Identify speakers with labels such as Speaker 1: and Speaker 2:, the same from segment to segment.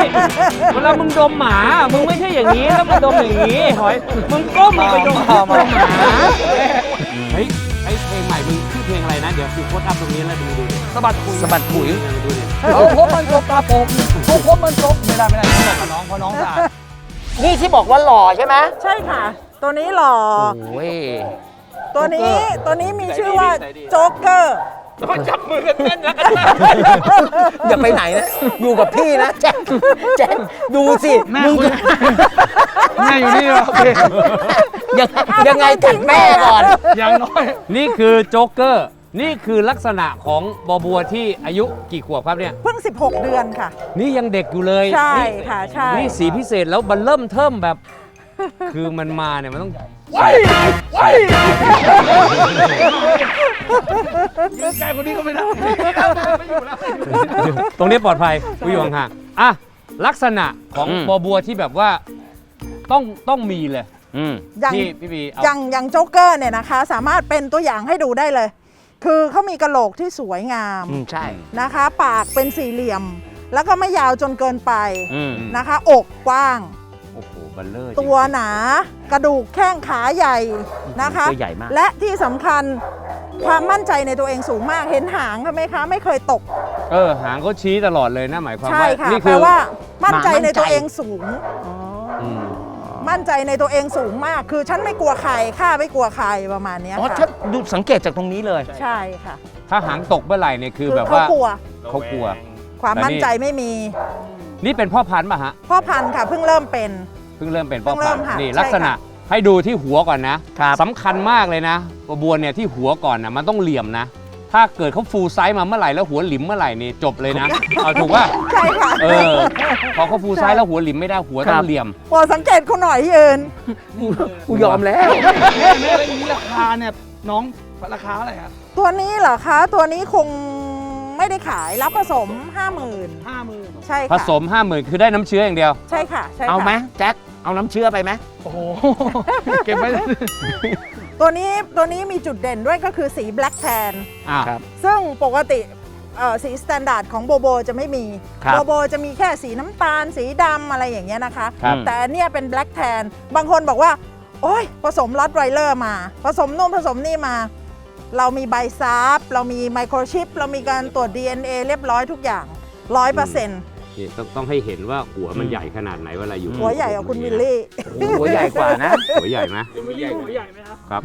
Speaker 1: เวลามึงดมหมามึงไม่ใช่อย่างนี้แล้วมึงดมอย่างนี้หอยมึงก้มลงไปดมหมาเฮ้ยไอเพลงใหม่มึงชื่อเพลงอะไรนะเดี๋ยวกูโพสต์อัพตรงนี้แล้วดูสะบัดขุยดูดิ
Speaker 2: พบมันจบตาโป่งพบมันจบไม่ได้ต้องบอกกับน้องเพราะน้องสะอาด
Speaker 3: นี่ที่บอกว่าหล่อใช่ไหม
Speaker 4: ใช่ค่ะ ตัวนี้หล่อ
Speaker 3: โอ้ย
Speaker 4: ตัวนี้มีชื่อว่าโจ๊กเกอร์
Speaker 1: จับมือกันแน่นแล้วกัน
Speaker 3: อย่าไปไหนนะ อยู่กับพี่นะแจ็คดูสิมึง
Speaker 2: แม่อยู่นี่โอเค
Speaker 3: ยังไงกัดแม่ก่อน
Speaker 2: อย่างน้อย
Speaker 1: นี่คือโจ๊กเกอร์นี่คือลักษณะของบัวที่อายุกี่ขวบครับเนี่ย
Speaker 4: เพิ่ง 16 เดือนค่ะ
Speaker 1: นี่ยังเด็กอยู่เลย
Speaker 4: ใช่ค่ะใช่
Speaker 1: นี่สีพิเศษแล้วมันเริ่มเทิมแบบ คือมันมาเนี่ยมันต้อง
Speaker 2: ยืนไกลคนนี้ก็ไม่ได้ไม่อยู่แล้ว
Speaker 1: ตรงนี้ปลอดภัยกูอยู่ห่างๆอ่ะลักษณะของบัวที่แบบว่าต้องมีเลย
Speaker 4: อย่าง
Speaker 1: ที่พี่บีเอา
Speaker 4: อย่างโจ๊กเกอร์เนี่ยนะคะ สามารถเป็นตัวอย่างให้ดูได้เลย คือเขามีกระโหลกที่สวยงาม
Speaker 3: ใช่
Speaker 4: นะคะ ปากเป็นสี่เหลี่ยม แล้วก็ไม่ยาวจนเกินไป
Speaker 3: ม
Speaker 4: นะคะ อกกว้าง
Speaker 1: โอ้โหบัลเลอร์
Speaker 4: ตัวหนา กระดูกแข้งขาใหญ่นะคะ
Speaker 3: ตัวใหญ่มาก
Speaker 4: และที่สำคัญความมั่นใจในตัวเองสูงมากเห็นหางไหมคะ ไม่เคยตก
Speaker 1: หางเขาชี้ตลอดเลยนะหมายความ
Speaker 4: ใช่
Speaker 1: ว่า
Speaker 4: ค่ะ
Speaker 1: นี่
Speaker 4: แปล
Speaker 1: คือ
Speaker 4: ว่ามั่นใจในตัวเองสูง
Speaker 1: อืม
Speaker 4: มั่นใจในตัวเองสูงมาก คือฉันไม่กลัวใครข้าไม่กลัวใครประมาณเนี้ย
Speaker 3: อ๋อ
Speaker 4: ค่ะ
Speaker 3: ถ้าดูสังเกตจากตรงนี้เลย
Speaker 4: ใช่ค่ะ
Speaker 1: ถ้าหางตกเมื่อไหร่เนี่ยคือแบบ
Speaker 4: เขา
Speaker 1: ว่าก
Speaker 4: ลัว
Speaker 1: เขากลัว
Speaker 4: ความมั่นใจไม่มี
Speaker 1: นี่เป็นพ่อพันธุ์ป่ะฮะ
Speaker 4: พ่อพันธุ์ค่ะเพิ่งเริ่มเป็น
Speaker 1: เพิ่งเริ่มเป็นพ่อ
Speaker 4: เพิ่งเริ่
Speaker 1: พัน
Speaker 4: ม
Speaker 1: ธุ์
Speaker 4: ค่ะ
Speaker 1: นี่
Speaker 4: ใช่
Speaker 1: ลักษณะ
Speaker 4: ค่ะ
Speaker 1: ให้ดูที่หัวก่อนนะครับ สำคัญมากเลยนะบัวเนี่ยที่หัวก่อนนะมันต้องเหลี่ยมนะ ถ้าเกิดเขาฟูลไซส์มาเมื่อไหร่แล้วหัวหลิมเมื่อไหร่นี่จบเลยนะ เอาถูกป่ะ
Speaker 4: ใช่ค่ะ
Speaker 1: พอเขาฟูลไซส์แล้วหัวหลิมไม่ได้หัวต้องเหลี่ยม
Speaker 4: โปรดสังเกตคุณหน่อยยืน
Speaker 3: กูยอมแล้ว
Speaker 2: แม่แล้วอย่างนี้ราคาเนี่ยน้องราคาอะไรครับ
Speaker 4: ตัวนี้เหรอคะ ตัวนี้คงไม่ได้ขายรับผสม 50,000
Speaker 2: 50,000
Speaker 4: ใช่
Speaker 1: ผ
Speaker 4: ค่ะ
Speaker 1: สม 50,000 คือได้น้ำเชื้ออย่างเดียว
Speaker 4: ใช่ค่ะใช่ค่ะ
Speaker 3: เอาไหมแจ็คเอาน้ำเชื่อไปไหม
Speaker 2: โอ้โหเก็บไว้
Speaker 4: ตัวนี้มีจุดเด่นด้วยก็คือสี Black Tan
Speaker 3: ครับ
Speaker 4: ซึ่งปกติสีสแตนดาร์ดของโบโบจะไม่มี
Speaker 3: ครับ
Speaker 4: โบโบจะมีแค่สีน้ำตาลสีดำอะไรอย่างเงี้ยนะคะ
Speaker 1: ครับ
Speaker 4: แต่อันเนี่ยเป็น Black Tan บางคนบอกว่า โอ้ยผสมลอตไวเลอร์มา ผสมนู่นผสมนี่มา เรามีใบซับเรามีไมโครชิป เรามีการตรวจ DNA เรียบร้อยทุกอย่าง 100%
Speaker 1: นี่ต้องให้เห็นว่าหัวมันใหญ่ขนาดไหนเวลาอยู่
Speaker 4: หัวใหญ่กว่าคุณวิลลี่
Speaker 3: หัวใหญ่กว่านะ
Speaker 1: หัวใหญ่ไหม
Speaker 2: หัวใหญ่ไหมครับ
Speaker 1: ครับ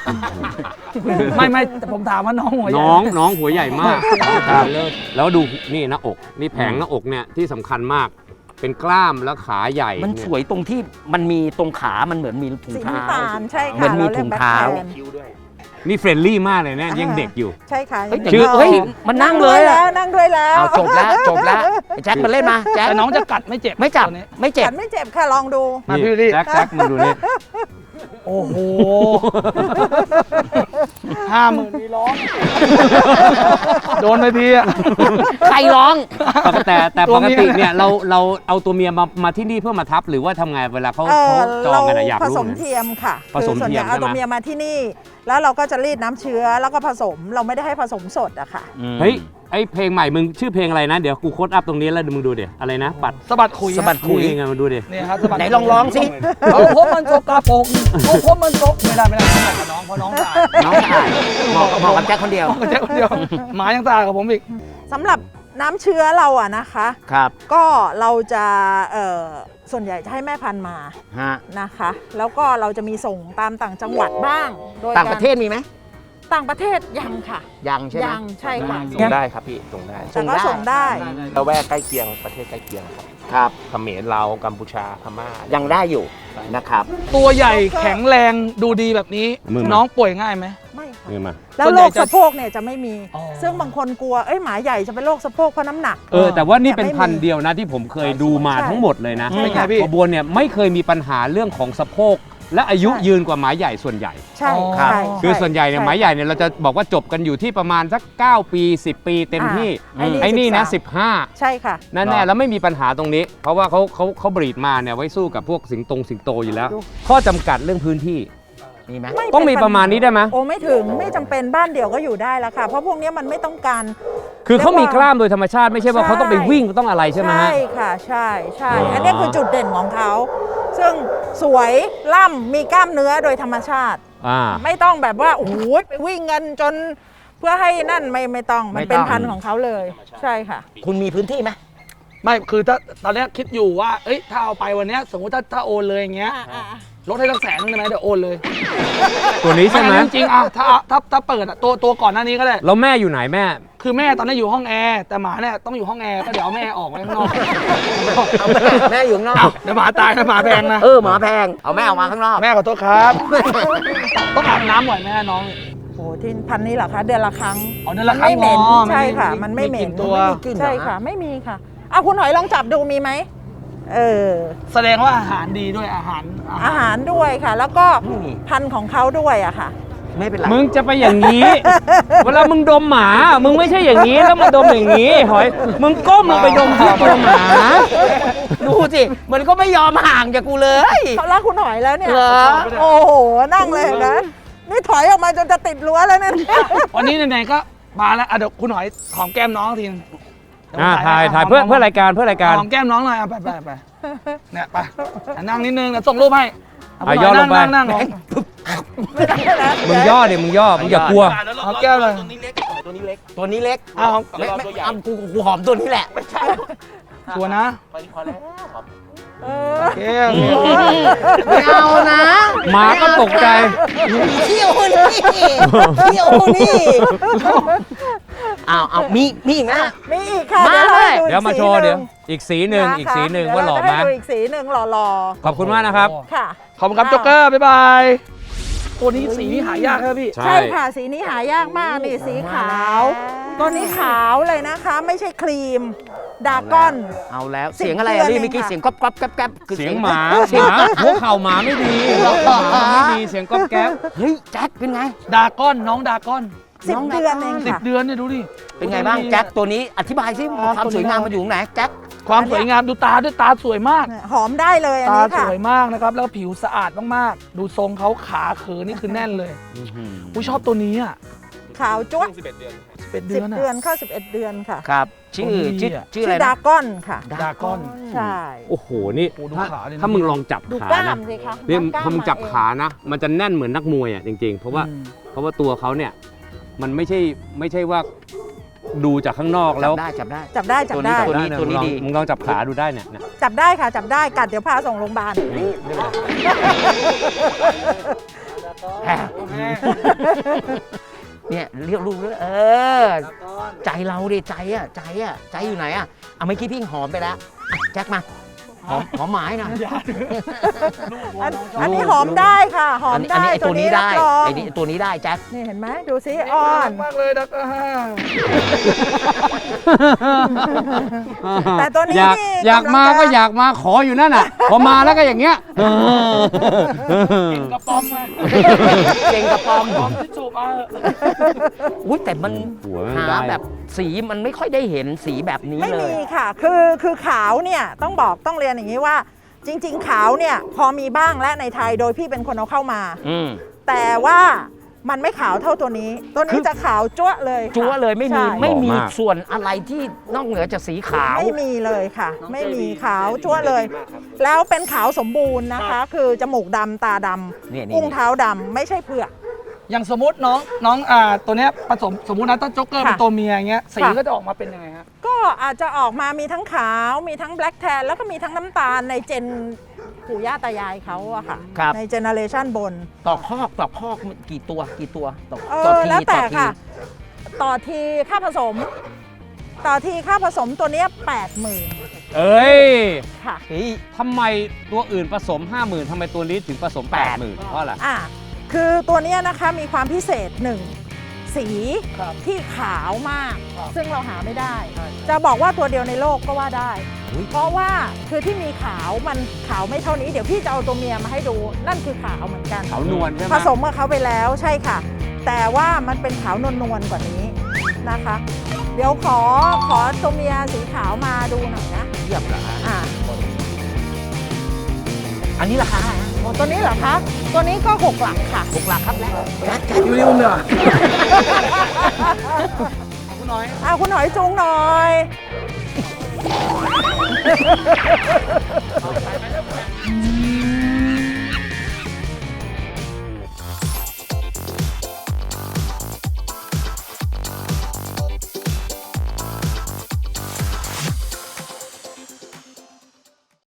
Speaker 2: ไม่แต่ผมถามว่าน้องหัวใหญ่
Speaker 1: น้องหัวใหญ่มากแล้วดูนี่หน้าอกนี่แผงหน้าอกเนี่ยที่สำคัญมาก เป็นกล้ามแล้วขาใหญ่
Speaker 3: มันสวยตรงที่มันมีตรงขามันเหมือนมีถุง
Speaker 4: สี
Speaker 3: เท้า
Speaker 4: น้ำตาลใช่
Speaker 3: เหมื
Speaker 4: ค่ะ
Speaker 3: อนมี
Speaker 4: รรียก
Speaker 3: ถุงเท้า
Speaker 4: Black Tan
Speaker 1: นี่เฟรนลี่มากเลยเนี่ยยังเด็กอยู่
Speaker 4: ใช่ค่ะ
Speaker 3: เฮ้ย
Speaker 4: ยัง
Speaker 3: ชื่อ
Speaker 4: ด็ก
Speaker 3: เฮ้ยมันนั่งเลยอะ
Speaker 4: นั่งด้วยแล้ว
Speaker 3: เอาจบแล้วไอ้แจ็คมันเล่นมาแจ็ค
Speaker 2: แต่น้องจะกัดไม่เจ็บ
Speaker 3: ไม่จับ
Speaker 2: ตัวนี้
Speaker 3: ไม่เจ็บ
Speaker 4: ฉันไม่เจ็บค่ะลองดู
Speaker 2: มาพี่วิลลี่
Speaker 1: แจ็คมึงดูนี่
Speaker 2: โอ้โห 50,000มีร้องโดนไปทีอะ
Speaker 3: ใครร้อง
Speaker 1: แต่ปกติเนี่ยเราเอาตัวเมียมาที่นี่เพื่อมาทับหรือว่าทำไงเวลาเขาจองกันอะอยาก
Speaker 4: ผ
Speaker 1: รู้
Speaker 4: สม
Speaker 1: นะ
Speaker 4: เทียมค่ะ
Speaker 1: ผสม
Speaker 4: คือส่วน
Speaker 1: เที
Speaker 4: ให
Speaker 1: ยม
Speaker 4: ญ่เอา
Speaker 1: ใช่ไหม
Speaker 4: ตัวเมียมาที่นี่ แล้วเราก็จะรีดน้ำเชื้อแล้วก็ผสมเราไม่ได้ให้ผสมสดอะค่ะ
Speaker 1: เฮ้ยไอเพลงใหม่มึงชื่อเพลงอะไรนะเดี๋ยวกูโค้ดอัพตรงนี้แล้วมึงดูเดี๋ยวอะไรนะปัด
Speaker 2: สะบัดขุย
Speaker 3: สะบัดขุย
Speaker 1: นี่ไงมาดูดิ
Speaker 2: เนี่ยครับสะบัด
Speaker 3: ไหนลองร้องสิ
Speaker 2: พบมันจบตาโป่งพบมันจบไม่ได้ต้องบอกกับน้องเพราะน้องสะอาด
Speaker 3: น้องสะอาดเหมาะกับแจ็คคนเดียว
Speaker 2: น้องกับแจ็คคนเดียวหมายังสะอาดกับผมอีก
Speaker 4: สำหรับน้ำเชื้อเราอะนะคะ
Speaker 3: ครับ
Speaker 4: ก็เราจะส่วนใหญ่จะให้แม่พันธุ์มา
Speaker 3: ฮะ
Speaker 4: นะคะ แล้วก็เราจะมีส่งตามต่างจังหวัดบ้าง โดย
Speaker 3: ต่างประเทศมีไหม
Speaker 4: ต่างประเทศยังค่ะ
Speaker 3: ยังใช่ไหม
Speaker 4: ยังใช่ค่ะ
Speaker 5: ส่งได้ครับพี่ส่งได้
Speaker 4: แต่ก็ส่งได้
Speaker 5: ละแวกใกล้เคียงประเทศใกล้เคียงครับ
Speaker 3: ครับ
Speaker 5: เขมรลาวกัมพูชาพม่า
Speaker 3: ยังได้อยู่นะครับ
Speaker 2: ตัวใหญ่แข็งแรงดูดีแบบนี้
Speaker 1: มึง
Speaker 2: น้องป่วยง่ายไหม
Speaker 4: ไม่ค่ะ
Speaker 1: นี่มา
Speaker 4: แล้ว
Speaker 2: ส่วน
Speaker 4: โร
Speaker 2: ใหญ่
Speaker 4: ค
Speaker 2: จะ
Speaker 4: สะโพกเนี่ยจะไม่มี
Speaker 2: อ๋อ
Speaker 4: ซึ่งบางคนกลัวหมาใหญ่จะเป็นโรคสะโพกเพราะน้ำหนัก
Speaker 1: แต่ว่านี่เป็น
Speaker 4: แต่ไม่มี
Speaker 1: พันธุ์เดียวนะที่ผมเคยดูมา
Speaker 4: ใช่
Speaker 1: ทั้งหมดเลยนะ
Speaker 2: เป็นไงพี่
Speaker 1: บัวเนี่ยไม่เคยมีปัญหาเรื่องของสะโพกและอายุยืนกว่าหมาใหญ่ส่วนใหญ่
Speaker 4: ใช่
Speaker 3: ครับ
Speaker 4: ใช่
Speaker 1: คือส่วนใหญ่เนี่ยหมาใหญ่เนี่ยเราจะบอกว่าจบกันอยู่ที่ประมาณสัก9 ปี 10 ปีเต็มที่ ไอ้นี่นะ
Speaker 4: ใช่ค่ะ
Speaker 1: 15แน่ๆแล้วไม่มีปัญหาตรงนี้ เพราะว่าเขาบรีดมาเนี่ยไว้สู้กับพวกสิงโตอยู่แล้ว ข้อจำกัดเรื่องพื้นที่
Speaker 3: มีไหม
Speaker 4: ไม่
Speaker 1: ต้องมีประมาณนี้ได้ไหม
Speaker 4: โอ้ไม่ถึงไม่จำเป็นบ้านเดี่ยวก็อยู่ได้แล้วค่ะ เพราะพวกนี้มันไม่ต้องการ
Speaker 1: คือเขามีกล้ามโดยธรรมชาติไม่ใช่ว่าเขาต้องไปวิ่งต้องอะไรใช่ไหมฮะ
Speaker 4: ใช่ค่ะใช่ใช่
Speaker 1: อ๋ออั
Speaker 4: อันนี้คือจุดเด่นของเขาซึ่งสวยล่ำมีกล้ามเนื้อโดยธรรมชาติ ไม่ต้องแบบว่าโอ้โหไปวิ่งกันจนเพื่อให้นั่นไม่ต้องมันเป็นพันธุ์ของเขาเลยใช่ค่ะ
Speaker 3: คุณมีพื้นที่ไหม
Speaker 2: ไม่คือถ้าตอนเนี้ยคิดอยู่ว่าเอ้ยถ้าเอาไปวันเนี้ยสมมติถ้าโอนเลยอย่างเงี้ยลดให้ตั้ง100,000ได้ไหมเดี๋ยวโอนเลย
Speaker 1: ตัวนี้ใช่ไหม
Speaker 2: จริงๆอ่ะถ้าเปิดอ่ะตัวก่อนหน้านี้ก็ได้
Speaker 1: แล้วแม่อยู่ไหนแม่
Speaker 2: คือแม่ตอนนี้อยู่ห้องแอร์แต่หมาเนี่ยต้องอยู่ห้องแอร์ก็เดี๋ยวเอาแม่ออกไว้ข้างนอก
Speaker 3: เอาแม่อยู่ข้างนอก
Speaker 2: เดี๋ยวหมาตายนะหมาแพงนะ
Speaker 3: หมาแพงเอาแม่ออกมาข้างนอก
Speaker 2: แม่ขอโทษครับ ต้องอาบน้ำบ่อยไหมน้อง
Speaker 4: โอ้ที่พันธุ์นี้เหรอคะเดือนละครั้ง
Speaker 2: อ๋อเดือนละครั้ง
Speaker 4: ไม่เหม็น
Speaker 2: อ๋อ
Speaker 4: ใช่ค่ะ
Speaker 2: ไม่
Speaker 4: มันไม่เหม็น
Speaker 2: ไม่กลิ่นตัว
Speaker 3: ไม่มีกลิ่นเหรอ
Speaker 4: ใช่ค่ะไม่มีค่ะเอาคุณหอยลองจับดูมีไหมเออ
Speaker 2: แสดงว่าอาหารดีด้วยอาหาร
Speaker 4: อาหารด้วยค่ะ แล้วก็
Speaker 3: ไม่มี
Speaker 4: พันธุ์ของเขาด้วยอะค่ะ
Speaker 3: ไม่เป็นไร
Speaker 1: มึงจะไปอย่างนี้ เวลามึงดมหมา มึงไม่ใช่อย่างนี้แล้วมาดมอย่างนี้หอย มึงก้มมึงไปดมที่ตัวหมา
Speaker 3: ดูสิมันก็ไม่ยอมห่างจากกูเลย
Speaker 4: เขารักคุณหอยแล้วเนี่ย
Speaker 3: เหรอ
Speaker 4: โอ้โหนั่งเลยเห็นะนี่ถอยออกมาจนจะติดรั้วแล้วเนี่ย
Speaker 2: วันนี้ไหนๆก็มาแล้วอ่ะเดี๋ยวคุณหอยหอมแก้มน้องทีนึงเดี๋วผม
Speaker 1: ถ่ายเพื่อรายการเพื่อรายการ
Speaker 2: หอมแก้มน้องหน่อยอ่ะไปเนี่ยไปอ่ะนั่งนิดนึงเดี๋ยวส่งรูปให้เา
Speaker 1: อ่ะย่อลงไป
Speaker 2: นั่ง
Speaker 1: มึงย่อเดี๋ยวมึงย่อ มึงอย่ากลัว
Speaker 2: หอมแก้มเลย
Speaker 5: ตัวนี้เล็กตัวนี้เล็ก
Speaker 3: ตัวนี้เล็ก
Speaker 2: อ้าว
Speaker 3: ไม่เอากูหอมตัวนี้แหละ
Speaker 2: ชัวร์นะ
Speaker 5: พอแล้วหอม
Speaker 4: เอ
Speaker 2: โอ
Speaker 4: อ
Speaker 2: เค
Speaker 3: ไม่เอานะ
Speaker 1: หมาก็ตกใจ
Speaker 3: เที่ยวนี่เที่ยวนี่เอามีอีกนะ
Speaker 4: มีอีกค่ะ
Speaker 3: มาเลย
Speaker 1: เดี๋ยวมาโชว์เดี๋ยว อีกสีหนึ่งอีกสีหนึ่งว่าหล่อไหม
Speaker 4: เดี๋ยวเรจะให้ดูอีกสีหนึ่งหล่อ
Speaker 1: ขอบคุณมากนะครับ
Speaker 4: ๆค่ะ
Speaker 2: ขอบคุณครับโจ๊กเกอร์ บ๊ายบาย ตัวนี้สีนี้หายากครับพี่
Speaker 1: ใช่
Speaker 4: ใช่ค่ะสีนี้หายากมากนี่สีขาว ตัวนี้ขาวเลยนะคะ ไม่ใช่ครีมดากอน
Speaker 3: เอาแล้วเสียงอะไรอะ
Speaker 4: 10
Speaker 3: นี่เมื่อกี้เสียงก๊อบก๊อบแก๊บแก๊บคือ
Speaker 1: เสียงหมาหัวเข่าหมาไม่ดีหมาไม่ดีเสียงก๊อบแก๊บ
Speaker 3: เฮ้ยแจ็คเป็นไง
Speaker 2: ดากอนน้องดากอน
Speaker 4: 10 เดือนเองค่ะ
Speaker 2: 10 เดือนเนี่ยดูดิ
Speaker 3: เป็นไงบ้างแจ็คตัวนี้อธิบายสิความสวยงามมันอยู่ตรงไหนแจ็ค
Speaker 2: ความสวยงามดูตาด้วยตาสวยมาก
Speaker 4: หอมได้เลยอัน
Speaker 2: ตา
Speaker 4: นี้
Speaker 2: ส
Speaker 4: ค่ะ
Speaker 2: วยมากนะครับ แล้วผิวสะอาดมากๆ ดูทรงเขาขาเขินนี่คือแน่นเลยอุ้ยชอบตัวนี้อ่ะ
Speaker 4: ขาวจ้วะ
Speaker 5: 11 เดือน
Speaker 2: 11 เดือน
Speaker 4: 10
Speaker 2: อ่ะ
Speaker 4: เดือนเข้า11 เดือนค่ะ
Speaker 3: ครับ ชื่อ
Speaker 2: ตัวนี้อะ
Speaker 3: ชื่อ
Speaker 4: ชื่
Speaker 3: อะไร
Speaker 4: อ
Speaker 3: นะ
Speaker 4: ดากอนค่ะ
Speaker 2: ดากอน
Speaker 4: ใช่
Speaker 1: โอ้โห นี่
Speaker 2: โอ้โหดู
Speaker 1: ถ้า
Speaker 2: ขาดิ
Speaker 1: ถ้ามึงลองจับ
Speaker 4: ดู
Speaker 1: ขาก
Speaker 4: ล้า
Speaker 1: นะ
Speaker 4: มสิคะ
Speaker 1: เนี่ย
Speaker 4: กล้
Speaker 1: พอมึงจับ
Speaker 4: เอง
Speaker 1: ขานะ มันจะแน่นเหมือนนักมวยอ่ะจริงๆ เพราะว่าตัวเขาเนี่ย มันไม่ใช่ว่าดูจากข้างนอกแล้ว
Speaker 3: จับได้
Speaker 4: จับได้จับได้
Speaker 3: ตัวนี้
Speaker 1: ได้
Speaker 3: ตัวนี้
Speaker 1: มึงลอง
Speaker 3: ดี
Speaker 1: มึงลองจับขาดูได้เนี่ย
Speaker 4: จับได้ค่ะจับได้กัดเดี๋ยวพาส่งโรงพยาบาล
Speaker 3: เนี่ยเรียกลูกเลยใจเราดิใจอยู่ไหนอ่ะเอาเมื่อกี้พี่หอมไปแล้วอ่ะแจ็คมาหอมหมายหน่อย
Speaker 4: อันนี้หอมได้ค่ะ หอมได้
Speaker 3: ไอ้ตัวนี้ได้
Speaker 4: รับรอง
Speaker 3: ไอ้นี่ตัวนี้ได้แจ็ค
Speaker 4: นี่เห็นไหมดูซิอ่อน
Speaker 2: มากเลยดากอน
Speaker 4: แต่ตัวนี้
Speaker 1: อยากมาก็อยากมาขออยู่นั่นน่ะ พอมาแล้วก็อย่างเงี้ย
Speaker 2: กระป๋อมมา
Speaker 3: เก่งกระปอม
Speaker 2: ป๋อมที่จูบมา
Speaker 3: อุ้ยแต่มัน
Speaker 1: หัวมัน
Speaker 3: หา
Speaker 1: ได้
Speaker 3: แบบสีมันไม่ค่อยได้เห็นสีแบบนี้
Speaker 4: ไม่
Speaker 3: เลย
Speaker 4: มีค่ะ คือขาวเนี่ยต้องเรียนอย่างนี้ว่า จริง ๆ ขาวเนี่ยพอมีบ้างและในไทยโดยพี่เป็นคนเอาเข้ามา แต่ว่ามันไม่ขาวเท่าตัวนี้ ตัวนี้จะขาวจั๊วะเลยค่ะ
Speaker 3: จั๊วเลยไม่มี
Speaker 4: ใช่
Speaker 3: ไม่มี
Speaker 1: หล่อมาก
Speaker 3: ส่วนอะไรที่นอกเหนือจากสีขาว
Speaker 4: ไม่มีเลยค่ะ ไม่มีขาวจั๊วะเลย แล้วเป็นขาวสมบูรณ์นะคะ คือจมูกดำตาด
Speaker 3: นี่
Speaker 4: ำอุ้งเท้าดำไม่ใช่เผือก
Speaker 2: อย่างสมมติน้องตัวเนี้ยผสมสมมุตินะถ้าโจ๊กเกอร์
Speaker 4: ค่ะ
Speaker 2: เป็นตัวเมียอย่างเงี้ยสี
Speaker 4: ค่ะ
Speaker 2: ก็จะออกมาเป็นยังไงฮะ
Speaker 4: ก็อาจจะออกมามีทั้งขาวมีทั้งแบล็กแทนแล้วก็มีทั้งน้ำตาลในเจนปู่ย่าตายายเขาอะค่ะ
Speaker 3: ครับ
Speaker 4: ในเจเนอเรชันบน
Speaker 3: ต่อคอกกี่ตัวต่อ
Speaker 4: เอ
Speaker 3: ต่อ
Speaker 4: อ
Speaker 3: ที
Speaker 4: แล้วแต่
Speaker 3: ต่อที
Speaker 4: ค่ะ ต่อทีค่าผสม ต่อทีค่าผสมตัวเนี้ย80,000
Speaker 1: เอ้ย
Speaker 4: ค่ะ
Speaker 3: เฮ้ย
Speaker 1: ทำไมตัวอื่นผสม 50,000ทำไมตัวนี้ถึงผสม 80,000เพราะอะไร
Speaker 4: อ่ะคือตัวเนี้ยนะคะมีความพิเศษหนึ่งสี
Speaker 2: ครับ
Speaker 4: ที่ขาวมาก
Speaker 2: ครับ
Speaker 4: ซึ่งเราหาไม่ได้ จะบอกว่าตัวเดียวในโลกก็ว่าได้
Speaker 3: อุ๊ย
Speaker 4: เพราะว่าคือที่มีขาวมันขาวไม่เท่านี้ เดี๋ยวพี่จะเอาตัวเมียมาให้ดู นั่นคือขาวเหมือนกัน
Speaker 1: ขาวนวลใช่ไหม
Speaker 4: ผสมกับเขาไปแล้วใช่ค่ะ แต่ว่ามันเป็นขาวนวลๆกว่านี้นะคะ เดี๋ยวขอตัวเมียสีขาวมาดูหน่อยนะ
Speaker 3: เทียบเหรอฮะ
Speaker 4: อ่า
Speaker 3: อันนี้ราคาอะไรฮะ
Speaker 4: โอ้ตัวนี้เหรอคะ ตัวนี้ก็6 หลักค่ะ
Speaker 3: 6 หลักครับแล้วแจ๊ค
Speaker 2: อยู่ในอุ้มเลยว่ะคุณน้อย
Speaker 4: เอาคุณหอยจูงหน่อย